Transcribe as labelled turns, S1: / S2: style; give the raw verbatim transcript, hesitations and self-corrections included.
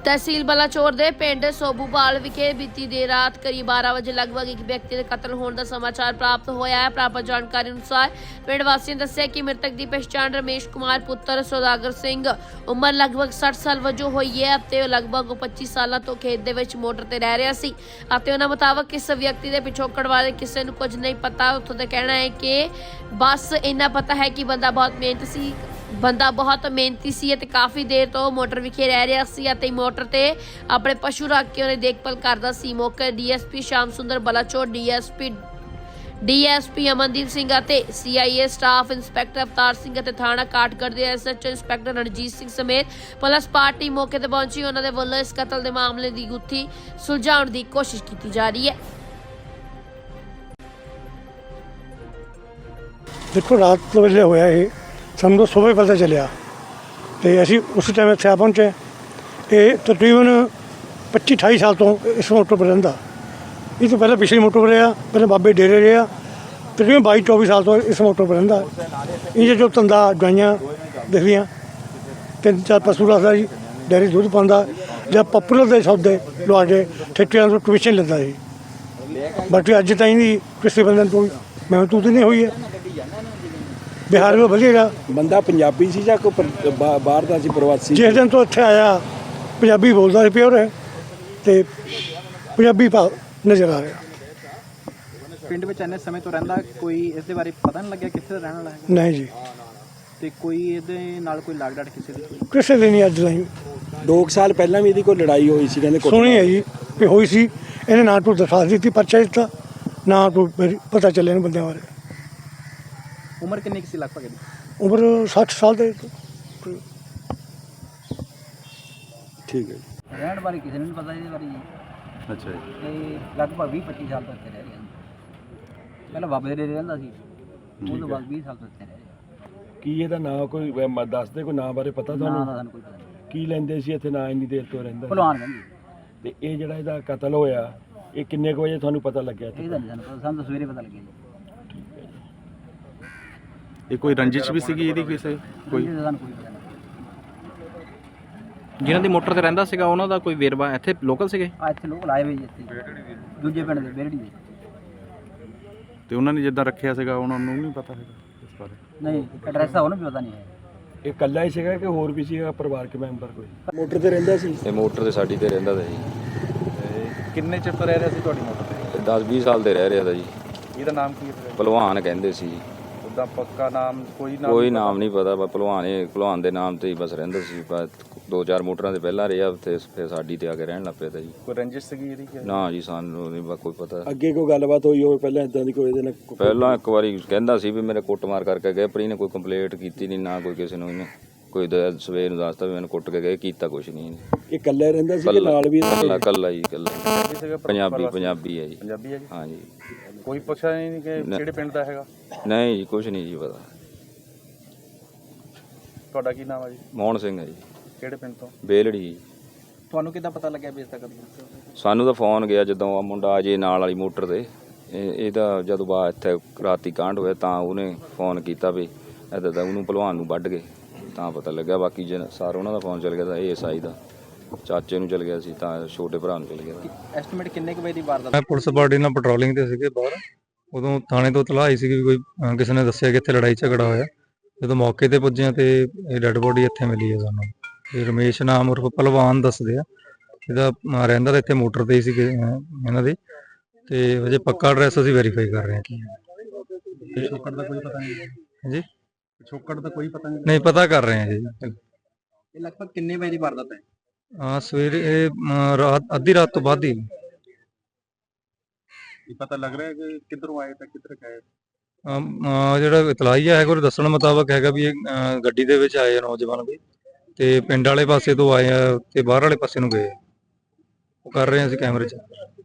S1: तहसील बलाचौर के पिंड सोबूवाल विखे बीती देर रात करीब बारह बजे लगभग एक व्यक्ति के कतल होने का समाचार प्राप्त होया है। प्राप्त जानकारी अनुसार पिंड वासियों ने दस्सिया कि मृतक की पहचान रमेश कुमार पुत्र सौदागर सिंह उम्र लगभग सठ साल वजों हुई है ते लगभग पच्चीस साल तो खेत दे विच मोटर ते रह रहा सी। उन्होंने मुताबक इस व्यक्ति के पिछोकड़ बारे किसी को कुछ नहीं पता। उत्थों का कहना है कि बस इन्ना पता है कि बंदा बहुत मेहनत सी बंदा बहुत मेहनती सी ते काफ़ी देर तो मोटर विखे रह रहा सी ते मोटर ते अपने पशु रख के उन्हें देखभाल करता सी। मौके D S P Shyam Sundar Balachaur D S P D S P Amandeep Singh ते C I A staff inspector अवतार सिंह ते थाना काठगढ़ के S H O inspector Ranjit Singh समेत पुलिस पार्टी मौके पर पहुंची। उन्होंने वालों इस कतल के मामले की गुत्थी सुलझाने की कोशिश की जा रही है।
S2: देखो रात वेले होया ये ਸਾਨੂੰ ਤਾਂ ਸੁਬਹ ਪਤਾ ਚੱਲਿਆ ਤੇ ਅਸੀਂ ਉਸ ਟਾਈਮ ਇੱਥੇ ਆ ਪਹੁੰਚੇ। ਇਹ ਤਕਰੀਬਨ ਪੱਚੀ ਅਠਾਈ ਸਾਲ ਤੋਂ ਇਸ ਮੋਟਰ 'ਤੇ ਰਹਿੰਦਾ। ਇਹ ਤੋਂ ਪਹਿਲਾਂ ਪਿਛਲੀ ਮੋਟਰ 'ਤੇ ਰਿਹਾ, ਪਹਿਲਾਂ ਬਾਬੇ ਡੇਰੇ ਰਿਹਾ। ਤਕਰੀਬਨ ਬਾਈ ਚੌਵੀ ਸਾਲ ਤੋਂ ਇਸ ਮੋਟਰ 'ਤੇ ਰਹਿੰਦਾ। ਇਹ ਜੋ ਧੰਦਾ ਗਾਈਆਂ ਦਿਖਦੀਆਂ ਤਿੰਨ ਚਾਰ ਪਸ਼ੂ ਰੱਖਦਾ ਜੀ, ਡੇਅਰੀ ਦੁੱਧ ਪਾਉਂਦਾ ਜਾਂ ਪਪੂਲਰ ਦੇ ਸੌਦੇ ਲਵਾ ਕੇ ਠੇਕਿਆਂ ਤੋਂ ਕਮਿਸ਼ਨ ਲੈਂਦਾ ਸੀ। ਬਾਕੀ ਅੱਜ ਤਾਈਂ ਦੀ ਕਿਸੇ ਬੰਦੇ ਨੂੰ ਕੋਈ ਮਹਿਸੂਸ ਨਹੀਂ ਹੋਈ ਹੈ। बिहार में बढ़िया
S3: बंदा पंजाबी सी या कोई पर- बा- बाहर दा सी प्रवासी?
S2: जिस दिन तो इत्थे आया पंजाबी बोलता है प्योर है तो पंजाबी भाव नज़र आ रहा।
S4: ਪਿੰਡ ਵਿੱਚ ਇੰਨੇ ਸਮੇਂ ਤੋਂ ਰਹਿੰਦਾ, ਕੋਈ ਇਸ ਦੇ ਬਾਰੇ ਪਤਾ ਨਹੀਂ ਲੱਗਿਆ ਕਿੱਥੇ ਦਾ ਰਹਿਣ ਵਾਲਾ ਹੈ
S2: नहीं जी,
S4: ਤੇ ਕੋਈ ਇਹਦੇ ਨਾਲ ਕੋਈ ਲਾਗ ਡਾਟ ਕਿਸੇ ਦੀ?
S2: किसी दिन नहीं अज नहीं
S3: दो कुछ साल पहला भी ਇਹਦੀ ਕੋਈ ਲੜਾਈ ਹੋਈ ਸੀ ਕਹਿੰਦੇ
S2: सुनी है जी कि हुई सी। इन्हें ना तो दरखास्त दी थी, पर्चा दिता ना तो मेरी पता चले इन बंदे बारे।
S4: ਉਮਰ ਕਿੰਨੀ ਕੁ ਸੀ ਲਗਭਗ ਇਹਦੀ?
S2: उम्र सठ साल दे
S3: ਠੀਕ ਹੈ ਜੀ।
S5: ਰਹਿਣ ਬਾਰੇ ਕਿਸੇ ਨੂੰ ਨਹੀਂ ਪਤਾ ਇਹਦੇ ਬਾਰੇ ਜੀ।
S3: ਅੱਛਾ ਜੀ।
S5: ਤੇ ਲਗਭਗ ਵੀਹ ਪੱਚੀ ਸਾਲ ਤੋਂ ਇੱਥੇ ਰਹਿ ਰਿਹਾ ਹਾਂ। ਪਹਿਲਾਂ ਬਾਬੇ ਦੇ ਡੇਰੇ ਰਹਿੰਦਾ ਸੀ, ਉਹ ਤੋਂ ਬਾਅਦ ਵੀਹ ਸਾਲ ਤੋਂ ਇੱਥੇ ਰਹਿ ਰਿਹਾ।
S3: ਕੀ ਇਹਦਾ ਨਾਂ ਕੋਈ ਵੈ- ਮ- ਦੱਸਦੇ ਕੋਈ ਨਾਂ ਬਾਰੇ ਪਤਾ
S5: ਨਾਂ ਦਾ
S3: ਤੁਹਾਨੂੰ?
S5: ਸਾਨੂੰ ਕੋਈ ਪਤਾ ਨਹੀਂ।
S3: ਕੀ ਲੈਂਦੇ ਸੀ ਇੱਥੇ ਨਾਂ ਇੰਨੀ ਦੇਰ ਤੋਂ ਰਹਿੰਦਾ?
S5: ਭਲਵਾਨ ਕਹਿੰਦੇ
S3: ਤੇ ਇਹ ਜਿਹੜਾ ਇਹਦਾ ਕਤਲ ਹੋਇਆ ਇਹ ਕਿੰਨੇ ਕੁ ਵਜੇ ਤੁਹਾਨੂੰ ਪਤਾ ਲੱਗਿਆ ਇੱਥੇ?
S5: ਇਹਦਾ ਨਹੀਂ ਸਾਨੂੰ ਪਤਾ, ਸਾਨੂੰ ਤਾਂ ਸਵੇਰੇ ਪਤਾ ਲੱਗਿਆ ਜੀ।
S6: ਇਹ ਕੋਈ ਰੰਜਿਸ਼ ਵੀ ਸੀਗੀ ਇਹਦੀ ਕਿਸੇ ਕੋਈ
S5: ਇਹਦਾ ਸਾਨੂੰ ਕੋਈ ਪਤਾ ਨਹੀਂ।
S7: ਜਿਨ੍ਹਾਂ ਦੀ ਮੋਟਰ ਤੇ ਰਹਿੰਦਾ ਸੀਗਾ ਉਹਨਾਂ ਦਾ ਕੋਈ ਵੇਰਵਾ ਇੱਥੇ ਲੋਕਲ ਸੀਗੇ?
S5: ਆ ਇੱਥੇ ਲੋਕ ਲਾਏ ਹੋਏ ਜੀ, ਇੱਥੇ ਦੂਜੇ ਪਿੰਡ ਦੇ ਬੇਰੜੀ ਦੇ।
S6: ਤੇ ਉਹਨਾਂ ਨੇ ਜਿੱਦਾਂ ਰੱਖਿਆ ਸੀਗਾ ਉਹਨਾਂ ਨੂੰ ਨਹੀਂ ਪਤਾ ਹੈਗਾ ਇਸ ਬਾਰੇ?
S5: ਨਹੀਂ ਐਡਰੈਸ ਦਾ ਉਹਨੂੰ ਵੀ ਪਤਾ ਨਹੀਂ ਹੈ।
S3: ਇਹ ਇਕੱਲਾ ਹੀ ਸੀਗਾ ਕਿ ਹੋਰ ਵੀ ਸੀਗਾ ਪਰਿਵਾਰਕ ਮੈਂਬਰ ਕੋਈ? ਮੋਟਰ ਤੇ ਰਹਿੰਦਾ ਸੀ?
S8: ਇਹ ਮੋਟਰ ਤੇ ਸਾਡੀ ਤੇ ਰਹਿੰਦਾ ਤਾ ਜੀ।
S4: ਕਿੰਨੇ ਚਿਰ ਤੋਂ ਰਹਿ ਰਿਹਾ ਸੀ ਤੁਹਾਡੀ ਮੋਟਰ ਤੇ?
S8: ਦਸ ਵੀਹ ਸਾਲ ਦੇ ਰਹਿ ਰਿਹਾ ਤਾ ਜੀ।
S4: ਇਹਦਾ ਨਾਮ ਕੀ ਹੈ?
S8: ਭਲਵਾਨ ਕਹਿੰਦੇ ਸੀ।
S4: ਉਹਦਾ ਪੱਕਾ ਨਾਮ ਕੋਈ ਨਾਮ?
S8: ਕੋਈ ਨਾਮ ਨਹੀਂ ਪਤਾ, ਬਸ ਭਲਵਾਨ ਇਹ ਭਲਵਾਨ ਦੇ ਨਾਮ ਤੇ ਹੀ ਬਸ ਰਹਿੰਦਾ ਸੀ। ਬਸ ਦੋ ਚਾਰ ਮੋਟਰਾਂ ਤੇ ਪਹਿਲਾਂ ਰਿਹਾ ਤੇ ਫਿਰ ਸਾਡੀ ਤੇ ਆ ਕੇ ਰਹਿਣ ਲੱਗ ਪਿਆ ਤਾ ਜੀ।
S4: ਕੋਈ ਰੰਜਿਸ਼ ਸੀਗੀ ਇਹਦੀ ਕਿ?
S8: ਨਾ ਜੀ ਸਾਨੂੰ ਨਹੀਂ ਕੋਈ ਪਤਾ।
S3: ਅੱਗੇ ਕੋਈ ਗੱਲਬਾਤ ਹੋਈ ਹੋਵੇ ਪਹਿਲਾਂ ਇਦਾਂ ਦੀ ਕੋਈ ਇਹਦੇ ਨਾਲ ਕੋਈ-
S8: ਪਹਿਲਾਂ ਇੱਕ ਵਾਰੀ ਕਹਿੰਦਾ ਸੀ ਵੀ ਮੇਰੇ ਕੁੱਟਮਾਰ ਕਰਕੇ ਗਏ, ਪਰ ਇਹਨੇ ਕੋਈ ਕੰਪਲੇਂਟ ਕੀਤੀ ਨਹੀਂ, ਨਾ ਕੋਈ ਕਿਸੇ ਨੂੰ ਇਹਨੇ ਕੋਈ ਦ- ਸਵੇਰ ਨੂੰ ਦੱਸਦਾ ਵੀ ਮੈਨੂੰ ਕੁੱਟ ਕੇ ਗਏ, ਕੀਤਾ ਕੁਛ ਨਹੀਂ ਇਹਨੇ।
S3: ਇਹ ਇਕੱਲਾ ਰਹਿੰਦਾ ਸੀ ਕਿ ਨਾਲ ਵੀ?
S8: ਕੱਲਾ ਕੱਲਾ ਜੀ ਕੱਲਾ।
S4: ਸੀਗਾ
S8: ਪੰਜਾਬੀ ਪੰਜਾਬੀ ਹੈ ਜੀ।
S4: ਪੰਜਾਬੀ ਹੈ ਜੀ।
S8: ਹਾਂ ਜੀ।
S4: ਕੋਈ ਪੁੱਛਿਆ ਨਹੀਂ ਕਿ
S8: ਨਾ।
S4: ਕਿਹੜੇ ਪਿੰਡ ਦਾ ਹੈਗਾ?
S8: ਨਹੀਂ ਜੀ ਕੁਛ ਨਹੀਂ ਜੀ ਪਤਾ।
S4: ਤੁਹਾਡਾ ਕੀ ਨਾਮ ਹੈ ਜੀ?
S8: ਮੋਹਨ ਸਿੰਘ ਹੈ ਜੀ,
S4: ਕਿਹੜੇ ਪਿੰਡ ਤੋਂ?
S8: ਬੇਲੜੀ ਜੀ।
S4: ਤੁਹਾਨੂੰ ਕਿੱਦਾਂ ਪਤਾ ਲੱਗਿਆ ਵੀ ਇਸ ਦਾ ਕਤਲ?
S8: ਸਾਨੂੰ ਤਾਂ ਫੋਨ ਗਿਆ ਜਦੋਂ ਆ ਮੁੰਡਾ ਅਜੇ ਨਾਲ ਵਾਲੀ ਮੋਟਰ ਤੇ ਇਹ ਇਹਦਾ ਜਦੋਂ ਬਾ ਇੱਥੇ ਰਾਤੀ ਕਾਂਡ ਹੋਇਆ ਤਾਂ ਉਹਨੇ ਫੋਨ ਕੀਤਾ ਵੀ ਇੱਦਾਂ ਦਾ ਉਹਨੂੰ ਭਲਵਾਨ ਨੂੰ ਵੱਢ ਗਏ, ਤਾਂ ਪਤਾ ਲੱਗਾ। ਬਾਕੀ ਜੇ ਸਾਰ ਉਹਨਾਂ ਦਾ ਫੋਨ ਚੱਲ ਗਿਆ ਤਾਂ ਇਹ ਐਸ ਆਈ ਦਾ ਚਾਚੇ ਨੂੰ ਚੱਲ ਗਿਆ ਸੀ, ਤਾਂ ਛੋਟੇ ਭਰਾ ਨੂੰ ਚੱਲ ਗਿਆ ਸੀ।
S4: ਐਸਟੀਮੇਟ ਕਿੰਨੇ ਕੁ ਵਜੇ ਦੀ ਵਾਰਦਾਤ?
S9: ਮੈਂ ਪੁਲਿਸ ਪਾਰਟੀ ਨਾਲ ਪੈਟਰੋਲਿੰਗ ਤੇ ਸੀਗੇ ਬਾਹਰ, ਉਦੋਂ ਥਾਣੇ ਤੋਂ ਇਤਲਾਹ ਆਈ ਸੀ ਕਿ ਕੋਈ ਅਹ ਕਿਸੇ ਨੇ ਦੱਸਿਆ ਕਿ ਇੱਥੇ ਲੜਾਈ ਝਗੜਾ ਹੋਇਆ। ਜਦੋਂ ਮੌਕੇ ਤੇ ਪੁੱਜੇ ਹਾਂ ਤੇ ਇਹ ਡੈੱਡ ਬੋਡੀ ਇੱਥੇ ਮਿਲੀ ਹੈ ਸਾਨੂੰ। ਇਹ ਰਮੇਸ਼ ਨਾਮ ਉਰਫ ਭਲਵਾਨ ਦੱਸਦੇ ਆ। ਇਹਦਾ ਅਹ ਰਹਿੰਦਾ ਤਾਂ ਇੱਥੇ ਮੋਟਰ ਤੇ ਹੀ ਸੀ ਇਹਨਾਂ ਦੀ, ਤੇ ਅਜੇ ਪੱਕਾ ਐਡਰੈਸ ਅਸੀਂ ਵੈਰੀਫਾਈ ਕਰ ਰਹੇ ਹਾਂ ਕੀ ਹੈ।
S4: ਪਿਛੋਕੜ ਦਾ ਕੋਈ ਪਤਾ ਨਹੀਂ?
S9: ਹਾਂਜੀ
S4: ਪਿਛੋਕੜ ਦਾ ਕੋਈ ਪਤਾ ਨਹੀਂ?
S9: ਨਹੀਂ ਪਤਾ ਕਰ ਰਹੇ ਹਾਂ ਜੀ।
S4: ਇਹ ਲਗਭਗ ਕਿੰਨੇ ਵਜੇ ਦੀ ਵਾਰਦਾਤ ਹੈ?
S9: ਹਾਂ ਸਵੇਰੇ ਇਹ ਅਹ ਰਾਤ ਅੱਧੀ ਰਾਤ ਤੋਂ ਬਾਅਦ ਹੀ।
S4: ਇਹ ਪਤਾ ਲੱਗ ਰਿਹਾ ਕਿ ਕਿੱਧਰੋਂ ਆਏ ਤਾਂ ਕਿੱਧਰ ਗਏ?
S9: ਅਮ, ਅਹ ਜਿਹੜਾ ਇਤਲਾਹੀਆ ਹੈਗਾ ਉਹਦੇ ਦੱਸਣ ਮੁਤਾਬਕ ਹੈਗਾ ਵੀ ਇਹ ਅਹ ਗੱਡੀ ਦੇ ਵਿੱਚ ਆਏ ਆ ਨੌਜਵਾਨ ਵੀ, ਤੇ ਪਿੰਡ ਵਾਲੇ ਪਾਸੇ ਤੋਂ ਆਏ ਆ ਤੇ ਬਾਹਰ ਵਾਲੇ ਪਾਸੇ ਨੂੰ ਗਏ ਆ। ਉਹ ਕਰ ਰਹੇ ਆ ਅਸੀਂ ਕੈਮਰੇ 'ਚ।